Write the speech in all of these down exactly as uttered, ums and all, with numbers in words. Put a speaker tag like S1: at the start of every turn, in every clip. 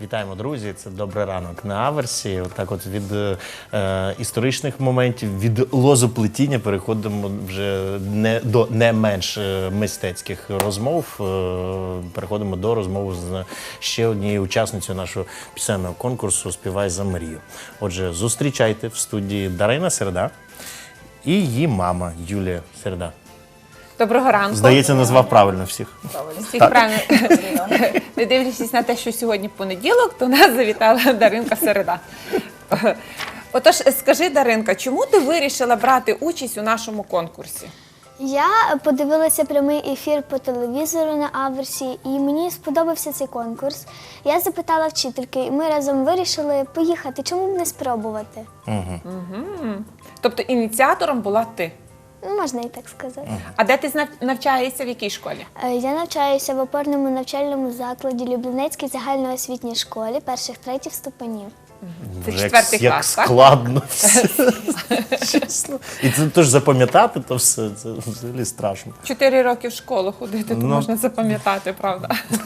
S1: Вітаємо, друзі! Це «Добрий ранок» на Аверсі. Отак от від е, історичних моментів, від лозоплетіння переходимо вже не, до не менш мистецьких розмов. Е, переходимо до розмови з ще однією учасницею нашого пісенного конкурсу «Співай за мрію». Отже, зустрічайте в студії Дарина Середа і її мама Юлія Середа.
S2: Доброго ранку.
S1: Здається, назвав правильно всіх.
S2: Всіх правильно. Не дивлячись на те, що сьогодні понеділок, то нас завітала Даринка Середа. Отож, скажи, Даринка, чому ти вирішила брати участь у нашому конкурсі?
S3: Я подивилася прямий ефір по телевізору на Аверсі, і мені сподобався цей конкурс. Я запитала вчительки, і ми разом вирішили поїхати. Чому б не спробувати?
S1: Угу.
S2: Угу. Тобто ініціатором була ти?
S3: Можна і так сказати.
S2: А де ти навчаєшся, в якій школі?
S3: Я навчаюся в опорному навчальному закладі Люблінецькій загальноосвітній школі перших-третіх ступенів.
S2: Це
S1: Вже
S2: четвертий
S1: як,
S2: клас,
S1: як
S2: так?
S1: складно все. Чесно. І це теж запам'ятати, то все, це взагалі страшно.
S2: Чотири роки в школу ходити, то
S1: Ну.
S2: можна запам'ятати, правда?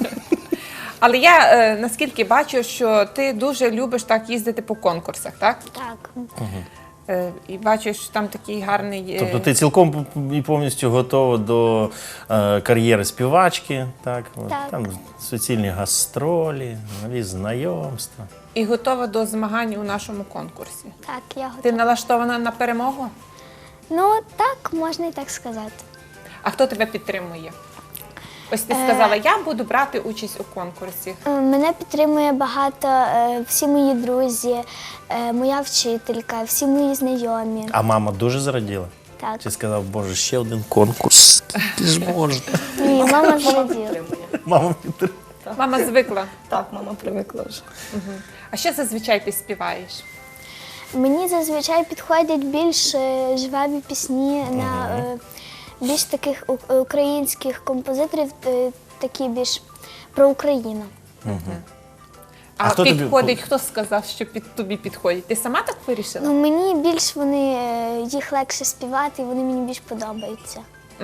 S2: Але я е, наскільки бачу, що ти дуже любиш так їздити по конкурсах, так?
S3: Так.
S2: Е, і бачу, що там такий гарний... е,
S1: Тобто ти цілком і повністю готова до е, кар'єри співачки, так? От,
S3: Так.
S1: Там суцільні гастролі, нові знайомства.
S2: І готова до змагань у нашому конкурсі.
S3: Так, я
S2: Ти
S3: готова.
S2: налаштована на перемогу?
S3: Ну, так, можна і так сказати.
S2: А хто тебе підтримує? Ось ти сказала, я буду брати участь у конкурсі.
S3: Е, Мене підтримує багато, е, всі мої друзі, е, моя вчителька, всі мої знайомі.
S1: А мама дуже зраділа?
S3: Так.
S1: Чи сказав, боже, ще один конкурс? Скільки ж можна?
S3: Ні, мама зраділа.
S1: Мама підтримує.
S2: Мама звикла.
S4: Так, мама привикла вже.
S2: А що зазвичай ти співаєш?
S3: Мені зазвичай підходять більш е, жваві пісні на е, більш таких у- українських композиторів, е, такі більш про Україну.
S2: А,
S1: А хто тобі-
S2: підходить, хто сказав, що під тобі підходить? Ти сама так вирішила?
S3: Ну, мені більш вони, е, їх легше співати, і вони мені більш подобаються.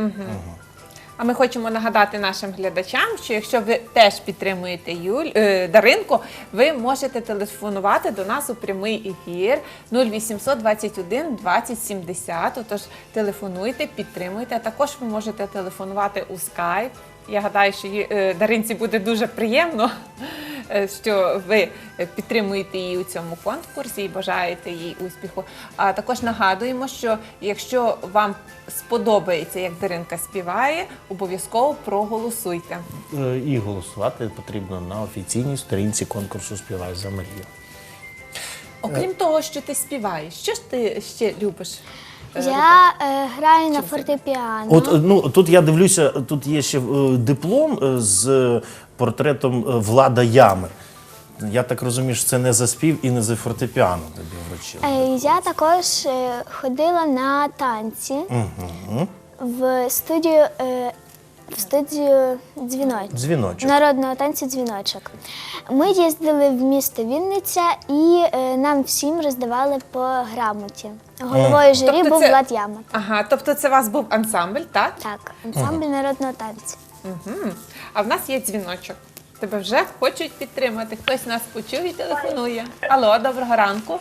S2: А ми хочемо нагадати нашим глядачам, що якщо ви теж підтримуєте Юль, е, Даринку, ви можете телефонувати до нас у прямий ефір нуль вісімсот двадцять один двадцять сімдесят. Отож, телефонуйте, підтримуйте. А також ви можете телефонувати у скайп. Я гадаю, що їй, е, Даринці буде дуже приємно, е, що ви підтримуєте її у цьому конкурсі і бажаєте їй успіху. А також нагадуємо, що якщо вам сподобається, як Даринка співає, обов'язково проголосуйте.
S1: Е, І голосувати потрібно на офіційній сторінці конкурсу «Співай за мрію».
S2: Окрім того, що ти співаєш, що ж ти ще любиш? е,
S3: Я е, граю на фортепіано.
S1: От, е, ну, тут я дивлюся, тут є ще е, диплом е, з портретом е, Влада Ями. Я так розумію, що це не за спів і не за фортепіано тобі вручили.
S3: Е, Я також е, ходила на танці
S1: Угу.
S3: в студію, е, в студію дзвіночок.
S1: Дзвіночок.
S3: Народного танцю дзвіночок. Ми їздили в місто Вінниця і е, нам всім роздавали по грамоті. Головою журі
S2: Тобто
S3: був
S2: це-
S3: Влад Яма.
S2: Ага, тобто це у вас був ансамбль, так?
S3: Так, ансамбль народного танцю.
S2: Угу. А в нас є дзвіночок. Тебе вже хочуть підтримати. Хтось нас почув і телефонує. Алло, доброго ранку.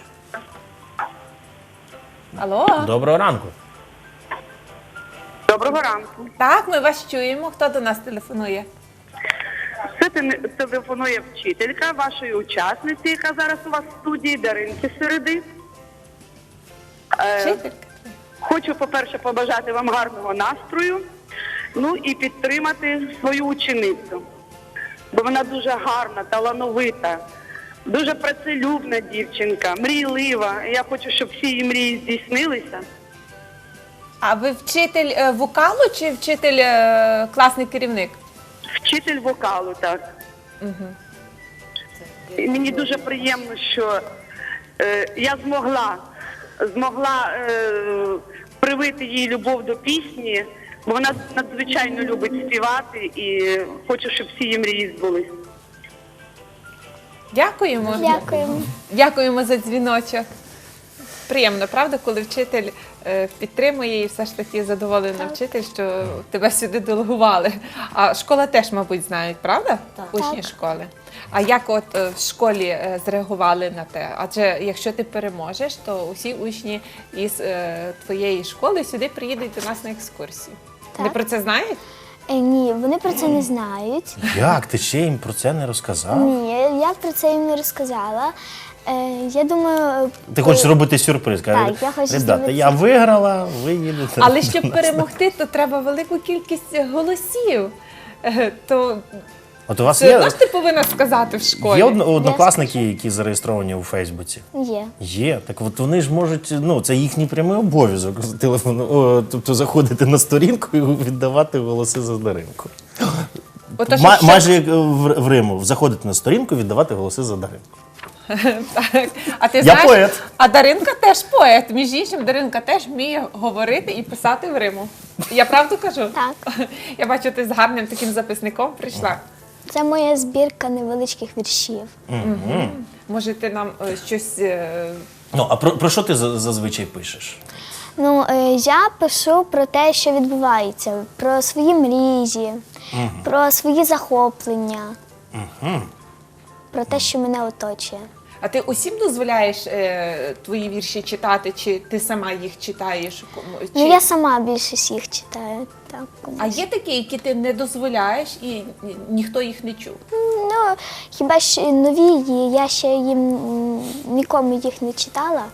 S2: Алло.
S1: Доброго ранку.
S5: Доброго ранку.
S2: Так, ми вас чуємо. Хто до нас телефонує?
S5: Це те- телефонує вчителька вашої учасниці, яка зараз у вас в студії, Даринки Середи. Е,
S2: Вчителька?
S5: Хочу, по-перше, побажати вам гарного настрою, ну і підтримати свою ученицю. Бо вона дуже гарна, талановита, дуже працелюбна дівчинка, мрійлива. Я хочу, щоб всі її мрії здійснилися.
S2: А ви вчитель е, вокалу чи вчитель е, класний керівник?
S5: Вчитель вокалу, так. І мені дуже приємно, що е, я змогла, змогла е, привити їй любов до пісні, бо вона надзвичайно любить співати і хочу, щоб всі її мрії збулись.
S2: Дякуємо.
S3: Дякуємо.
S2: Дякуємо за дзвіночок. Приємно, правда, коли вчитель е, підтримує і все ж таки задоволений вчитель, що тебе сюди делегували. А школа теж, мабуть, знають, правда?
S4: Так.
S2: Учні
S3: Так.
S2: школи. А як от е, в школі е, зреагували на те? Адже якщо ти переможеш, то усі учні із е, твоєї школи сюди приїдуть до нас на екскурсію. Вони
S3: Так.
S2: про це знають?
S3: Е, ні, вони про це не знають.
S1: Як? Ти ще їм про це не розказав?
S3: Ні, я про це їм не розказала. Е, я думаю,
S1: Ти
S3: е,
S1: хочеш зробити сюрприз? Каже,
S3: Так, я хочу
S1: ребята,
S3: зробити
S1: я виграла, ви їдете.
S2: Але щоб перемогти, то треба велику кількість голосів. Е, То
S1: От у вас
S2: все
S1: є,
S2: одно ж ти повинна сказати в школі.
S1: є одно- однокласники, які зареєстровані у Фейсбуці?
S3: є.
S1: Є. Так от вони ж можуть, ну, це їхній прямий обов'язок з телефону, о, тобто заходити на сторінку і віддавати голоси за Даринку.
S2: Отож,
S1: Ма-
S2: якщо-
S1: Майже як в, в Риму, заходити на сторінку, віддавати голоси за Даринку.
S2: Так. А ти
S1: Я
S2: знаєш,
S1: поет.
S2: а Даринка теж поет. Між іншим, Даринка теж вміє говорити і писати в Риму. Я правду кажу?
S3: Так.
S2: Я бачу, ти з гарним таким записником прийшла.
S3: Це моя збірка невеличких віршів.
S2: Може, ти нам е, щось. е,
S1: Ну, а про, про що ти за- зазвичай пишеш?
S3: Ну, е, я пишу про те, що відбувається, про свої мрії, про свої захоплення, про те, що мене оточує.
S2: А ти усім дозволяєш е, твої вірші читати, чи ти сама їх читаєш? Кому- Чи...
S3: Ну, я сама більшість їх читаю. Так, комусь.
S2: А є такі, які ти не дозволяєш і ні- ніхто їх не чув?
S3: Ну, хіба що нові, є, я ще їм м, нікому їх не читала.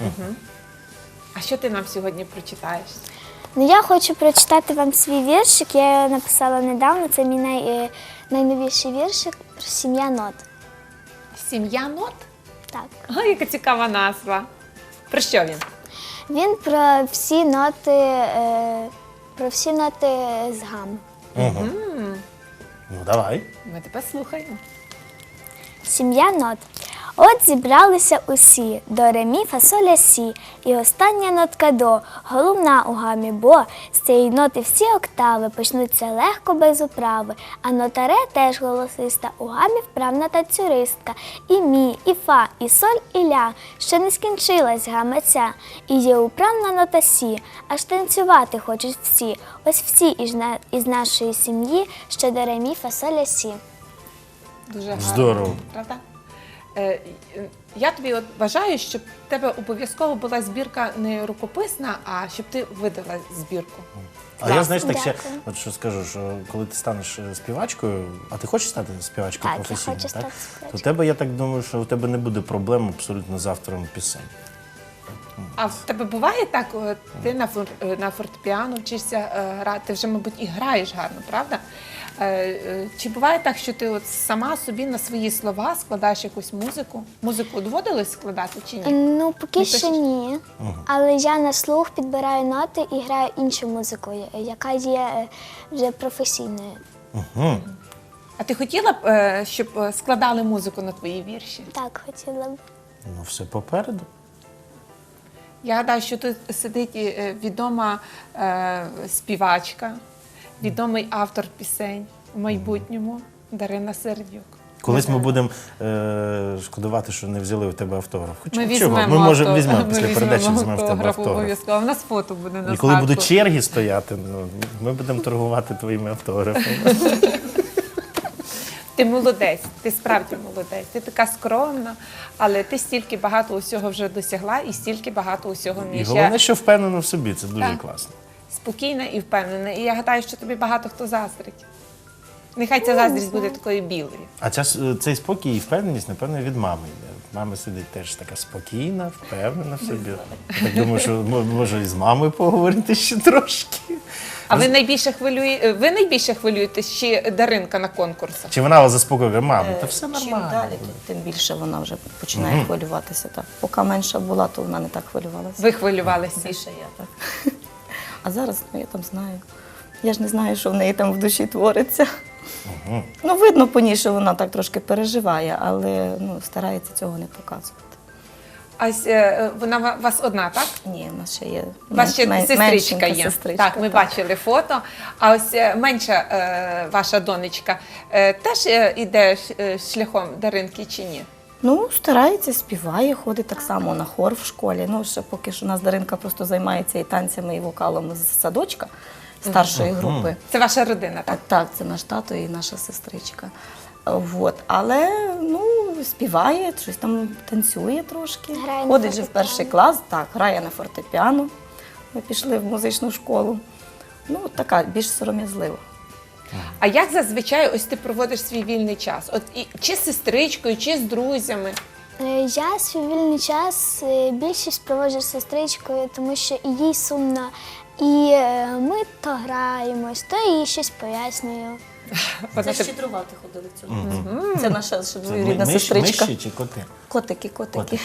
S2: А що ти нам сьогодні прочитаєш?
S3: Ну, я хочу прочитати вам свій віршик, я його написала недавно, це мій най, е, найновіший віршик про сім'я нот.
S2: Сім'я нот?
S3: Так.
S2: Ага, яка цікава назва. Про що він?
S3: Він про всі ноти, е, про всі ноти з гам.
S1: Ну, давай.
S2: Ми тебе слухаємо.
S3: Сім'я нот. От зібралися усі до ре, мі, фа, соль, ля, сі. І остання нотка до, головна у гамі, бо з цієї ноти всі октави почнуться легко без управи. А нота ре теж голосиста, у гамі вправна танцюристка. І мі, і фа, і соль, і ля. Ще не скінчилась гама ця. І є управна нота сі, аж танцювати хочуть всі. Ось всі із, на- із нашої сім'ї, ще до ре, мі, фа, соль, ля, сі.
S2: Дуже гарно.
S1: Здорово.
S2: Правда? Е, е, Я тобі от бажаю, щоб в тебе обов'язково була збірка не рукописна, а щоб ти видала збірку.
S1: А я, знаєш, так
S3: Дякую.
S1: ще, от що скажу, що коли ти станеш е, співачкою, а ти хочеш стати співачкою
S3: Так, я
S1: професійно,
S3: хочу
S1: так?
S3: стати співачкою.
S1: То в тебе, я так думаю, що у тебе не буде проблем абсолютно з автором пісень.
S2: А в тебе буває так, от ти на, фор, е, на фортепіано вчишся е, грати, ти вже, мабуть, і граєш гарно, правда? Е, е, Чи буває так, що ти от сама собі на свої слова складаєш якусь музику? Музику доводилось складати чи ні?
S3: Ну, поки
S2: Не
S3: що
S2: пишеш?
S3: ні. Але я на слух підбираю ноти і граю іншу музику, я- яка є е, вже професійною.
S2: А ти хотіла б, е, щоб е, складали музику на твої вірші?
S3: Так, хотіла б.
S1: Ну, все попереду.
S2: Я гадаю, що тут сидить е, відома е, співачка, відомий автор пісень в майбутньому Дарина Сердюк.
S1: Колись ми будемо е, шкодувати, що не взяли у тебе автограф. Хоча
S2: Ми
S1: чого?
S2: візьмемо
S1: Ми можемо
S2: авто-
S1: візьмемо
S2: ми
S1: після
S2: візьмемо
S1: передачі візьмемо в тебе
S2: автограф
S1: автограф.
S2: обов'язково. У нас фото буде на
S1: І коли
S2: згадку.
S1: будуть черги стояти, ну, ми будемо торгувати твоїми автографами.
S2: Ти молодець, ти справді молодець. Ти така скромна, але ти стільки багато усього вже досягла і стільки багато усього
S1: І
S2: вмієш.
S1: головне,
S2: Я
S1: що впевнено в собі, це дуже
S2: Так.
S1: класно.
S2: спокійна і впевнена. І я гадаю, що тобі багато хто заздрить. Нехай ця заздрість буде такою білою.
S1: А ця, с- цей спокій і впевненість, напевно, від мами йде. Мама сидить теж така спокійна, впевнена в собі. Я так думаю, що мо- може і з мамою поговорити ще трошки.
S2: А ви найбільше хвилює... ви найбільше хвилюєтесь чи Даринка на конкурсах?
S1: Чи вона вас заспокоює, мама, та все
S4: Чим
S1: нормально.
S4: далі, то тим більше вона вже починає хвилюватися. Так. Поки менша була, то вона не так хвилювалася.
S2: Ви хвилювалися?
S4: Більше я так. А зараз ну, я там знаю. Я ж не знаю, що в неї там в душі твориться. Ну, видно по ній, що вона так трошки переживає, але ну, старається цього не показувати.
S2: А ось, е, вона ва- вас одна, так?
S4: Ні, в нас ще є
S2: У вас ще
S4: мен-
S2: сестричка
S4: меншенька
S2: є.
S4: сестричка,
S2: так, ми бачили фото. А ось е, менша е, ваша донечка е, теж е, іде ш- е, шляхом Даринки чи ні?
S4: Ну, старається, співає, ходить так само на хор в школі. Ну, ще поки що у нас Даринка просто займається і танцями, і вокалом з садочка старшої групи.
S2: Це ваша родина, так?
S4: Так, так, це наш тато і наша сестричка. Вот. Але ну, співає, щось там танцює трошки.
S3: Грає на
S4: Ходить же в
S3: фортепіано.
S4: перший клас, так, грає на фортепіано. Ми пішли в музичну школу. Ну, така, більш сором'язлива.
S2: А як зазвичай ось ти проводиш свій вільний час? От і чи з сестричкою, чи з друзями?
S3: Е, Я свій вільний час е, більшість проводжу з сестричкою, тому що і їй сумно. І е, ми то граємось, то їй щось пояснюю.
S2: Вона
S4: Це
S2: теп-
S4: щедрувати ходили в цьому. Це наша ще
S1: Це
S4: двоюрідна
S1: миші-
S4: сестричка.
S1: Миші чи коти?
S4: Котики, котики.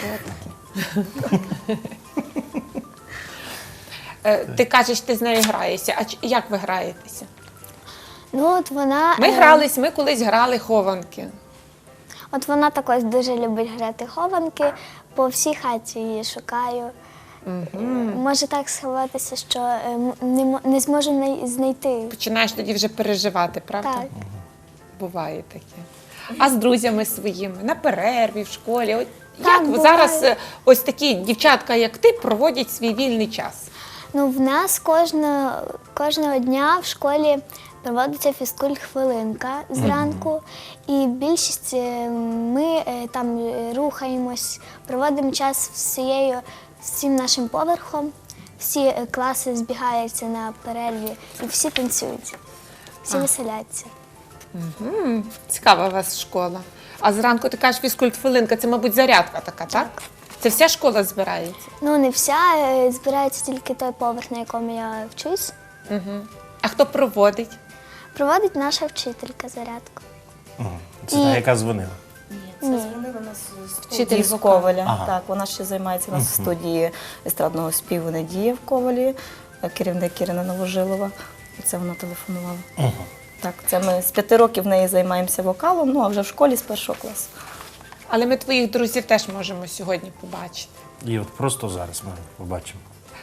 S2: Е, Ти кажеш, ти з нею граєшся. А ч- як ви граєтеся?
S3: Ну, от вона,
S2: Ми
S3: е,
S2: грались, ми колись грали хованки.
S3: От вона також дуже любить грати хованки, по всій хаті її шукаю. Може так сховатися, що е, м- не, мо- не зможу най- знайти.
S2: Починаєш тоді вже переживати, правда?
S3: Так.
S2: Буває таке. А з друзями своїми на перерві в школі. От
S3: Так,
S2: як
S3: буває.
S2: зараз е, ось такі дівчатка, як ти, проводять свій вільний час?
S3: Ну, в нас кожного, кожного дня в школі проводиться фізкульт-хвилинка зранку, і більшість е, ми е, там е, рухаємось, проводимо час всією, всім нашим поверхом. Всі е, класи збігаються на перерві і всі танцюють, всі веселяться.
S2: Цікава у вас школа. А зранку ти кажеш фізкульт-хвилинка, це, мабуть, зарядка така, так? Це вся школа збирається?
S3: Ну, не вся, е, збирається тільки той поверх, на якому я вчусь.
S2: А хто проводить?
S3: Проводить наша вчителька зарядку.
S1: Це та, яка дзвонила.
S4: Це дзвонила нас з
S2: Вчитель
S4: студії з
S2: вокалу.
S4: Коваля.
S1: Ага.
S4: Так, вона ще займається у нас в студії естрадного співу Надія в Ковалі, керівник Ірина Новожилова. Це вона телефонувала. Так, це ми з п'яти років в неї займаємося вокалом, ну а вже в школі з першого класу.
S2: Але ми твоїх друзів теж можемо сьогодні побачити.
S1: І от просто зараз ми побачимо.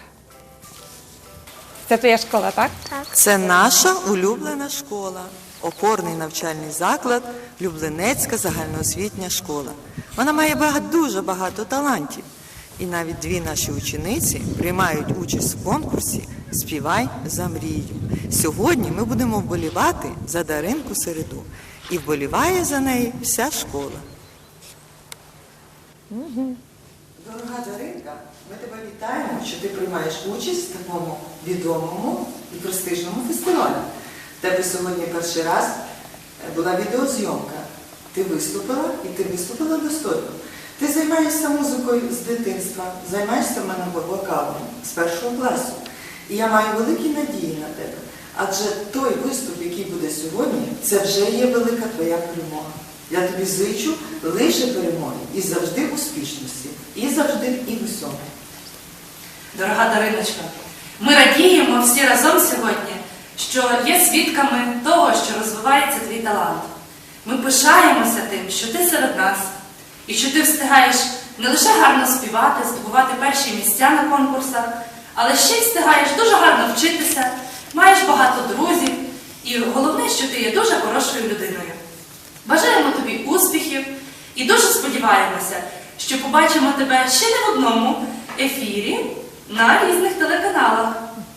S2: Це твоя школа, так?
S6: Це наша улюблена школа, опорний навчальний заклад, Люблинецька загальноосвітня школа. Вона має багато, дуже багато талантів. І навіть дві наші учениці приймають участь в конкурсі «Співай за мрію». Сьогодні ми будемо вболівати за Даринку Середу. І вболіває за неї вся школа. Дорога Даринка, ми тебе вітаємо, що ти приймаєш участь в такому відомому і престижному фестивалі. В тебе сьогодні перший раз була відеозйомка. Ти виступила і ти виступила достойно. Ти займаєшся музикою з дитинства, займаєшся в мене вокалом з першого класу. І я маю великі надії на тебе. Адже той виступ, який буде сьогодні, це вже є велика твоя перемога. Я тобі зичу лише перемоги і завжди успішності, і завжди і в усьому.
S7: Дорога Дариночка, ми радіємо всі разом сьогодні, що є свідками того, що розвивається твій талант. Ми пишаємося тим, що ти серед нас, і що ти встигаєш не лише гарно співати, здобувати перші місця на конкурсах, але ще й встигаєш дуже гарно вчитися, маєш багато друзів, і головне, що ти є дуже хорошою людиною. Бажаємо тобі успіхів і дуже сподіваємося, що побачимо тебе ще не в одному ефірі на різних телеканалах.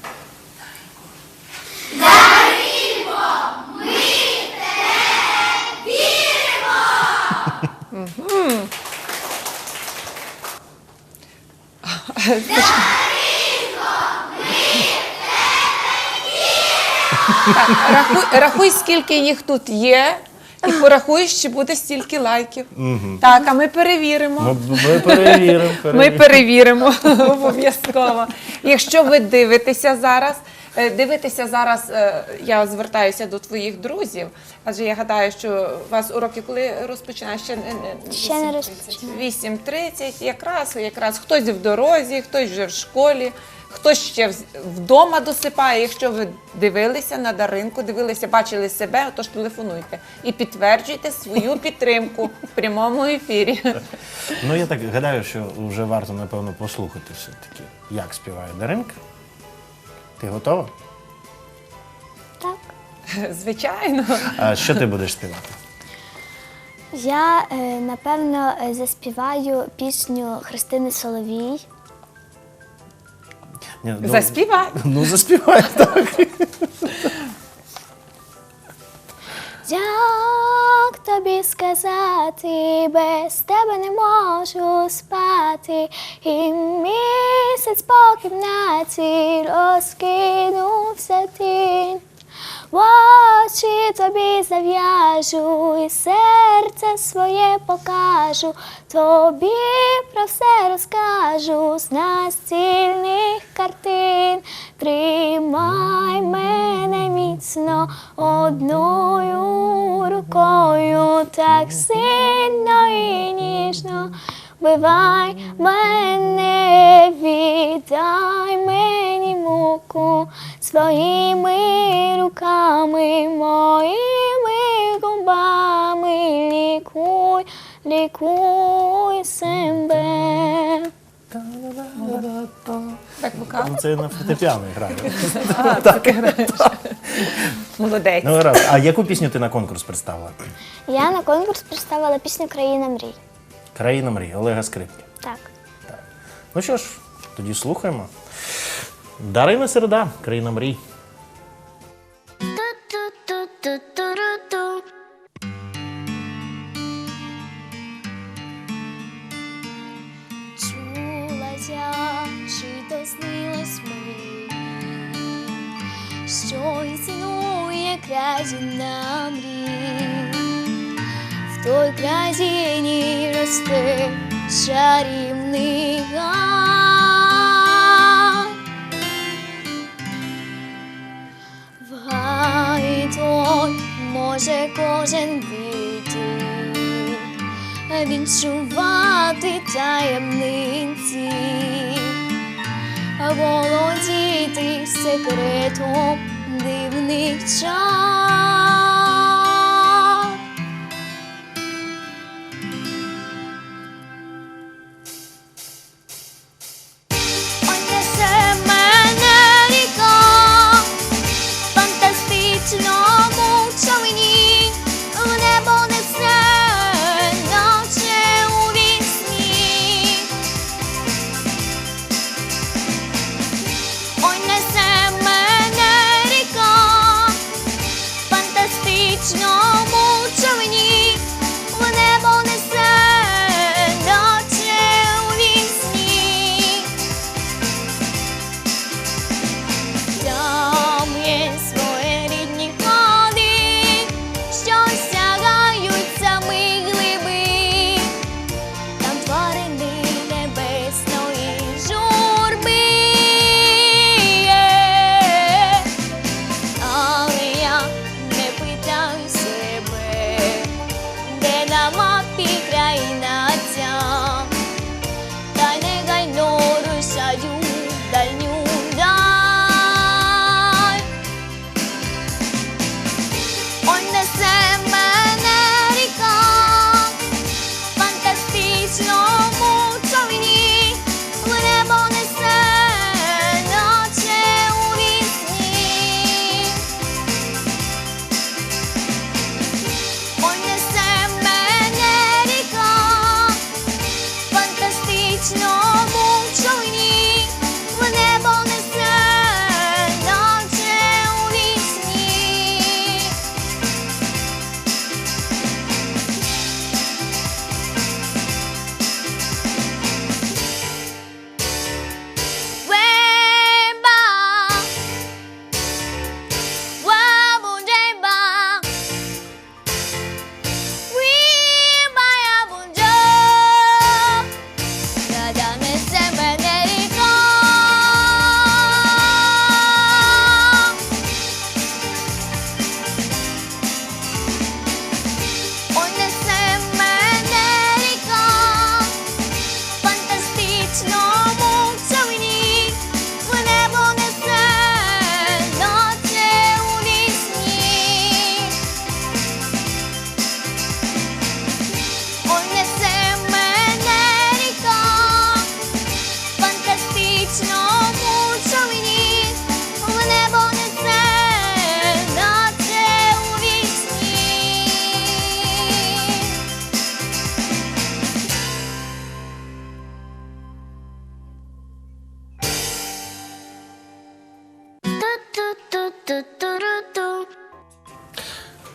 S2: Так, рахуй, рахуй, скільки їх тут є, і порахуй, чи буде стільки лайків. Так, а ми перевіримо.
S1: Ми, ми перевіримо.
S2: Ми
S1: перевіримо.
S2: перевіримо обов'язково. Якщо ви дивитеся зараз, е, дивитеся зараз, е, я звертаюся до твоїх друзів, адже я гадаю, що у вас уроки коли розпочинають? Ще, не- не-
S3: Ще не
S2: вісім тридцять.
S3: розпочинають.
S2: вісім тридцять, якраз, якраз хтось в дорозі, хтось вже в школі, хтось ще в- вдома досипає. Якщо ви дивилися на Даринку, дивилися, бачили себе, отож телефонуйте і підтверджуйте свою підтримку в прямому ефірі.
S1: Ну, я так гадаю, що вже варто, напевно, послухати все-таки, як співає Даринка. Ти готова?
S3: Так.
S2: Звичайно.
S1: А що ти будеш співати?
S3: Я, е, напевно, е, заспіваю пісню Христини Соловій.
S1: Ні, ну,
S2: Заспівай.
S1: Ну, заспівай, так.
S3: Як тобі сказати, без тебе не можу спати, і місяць по кімнаті розкинувся тінь. В очі тобі зав'яжу і серце своє покажу, тобі про все розкажу з настільних картин. Тримай мене міцно одною рукою, так сильно і ніжно. Вбивай мене, віддай мені муку своїми руками, моїми губами, лікуй, лікуй себе.
S2: Так, вокал.
S1: Ну, це на фортепіано грає.
S2: А, так граєш. Молодець.
S1: Ну, раз. А яку пісню ти на конкурс представила?
S3: Я на конкурс представила пісню «Країна мрій».
S1: Країна мрій Олега Скрипки.
S3: Так.
S1: Ну що ж, тоді слухаємо. Дарина Середа, Країна мрій.
S3: Ту-ту-ту-ту-ту-ру-ту. Чулась я, чи то снилось мені, що існує країна мрій. В той країні росте чарівний гай. В гай той може кожен війти, відчувати таємниці, володіти секретом дивних чар. Ой, несе мене ріка в фантастичному човні, в небо несе, наче у вісні. Ой, несе мене ріка в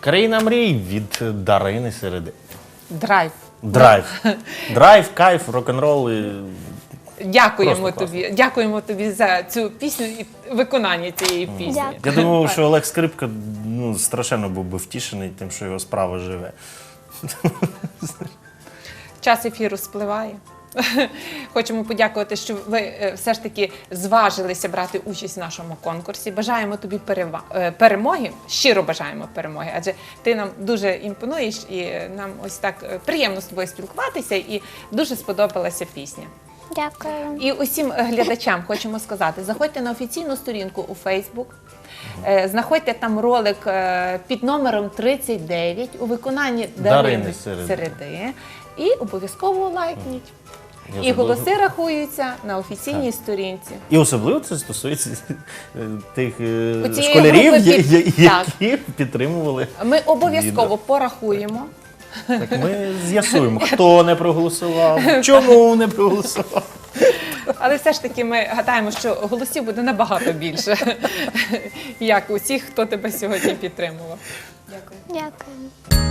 S1: Країна мрій від Дарини Середи.
S2: Драйв.
S1: Драйв. Драйв, кайф, рок-н-рол. І...
S2: Дякуємо
S1: Просто
S2: тобі. Дякуємо тобі за цю пісню і виконання цієї пісні.
S3: Дякую.
S1: Я думав, що Олег Скрипка ну, страшенно був би втішений тим, що його справа живе.
S2: Час ефіру спливає. Хочемо подякувати, що ви е, все ж таки зважилися брати участь в нашому конкурсі. Бажаємо тобі перева- е, перемоги, щиро бажаємо перемоги, адже ти нам дуже імпонуєш і е, нам ось так е, приємно з тобою спілкуватися і дуже сподобалася пісня.
S3: Дякую.
S2: І усім глядачам хочемо сказати, заходьте на офіційну сторінку у Фейсбук, е, знаходьте там ролик е, під номером тридцять дев'ять у виконанні
S1: Дарини
S2: Дарини
S1: Середи.
S2: Середи і обов'язково лайкніть.
S1: Я
S2: І
S1: забув.
S2: голоси рахуються на офіційній сторінці.
S1: І особливо це стосується е, тих е,
S2: Оцієї
S1: школярів,
S2: групи
S1: я-
S2: під-
S1: я-
S2: так.
S1: які підтримували.
S2: Ми обов'язково
S1: Відео.
S2: порахуємо.
S1: Так ми з'ясуємо, хто не проголосував, чому не проголосував.
S2: Але все ж таки ми гадаємо, що голосів буде набагато більше, як усіх, хто тебе сьогодні підтримував. Дякую.
S3: Дякую.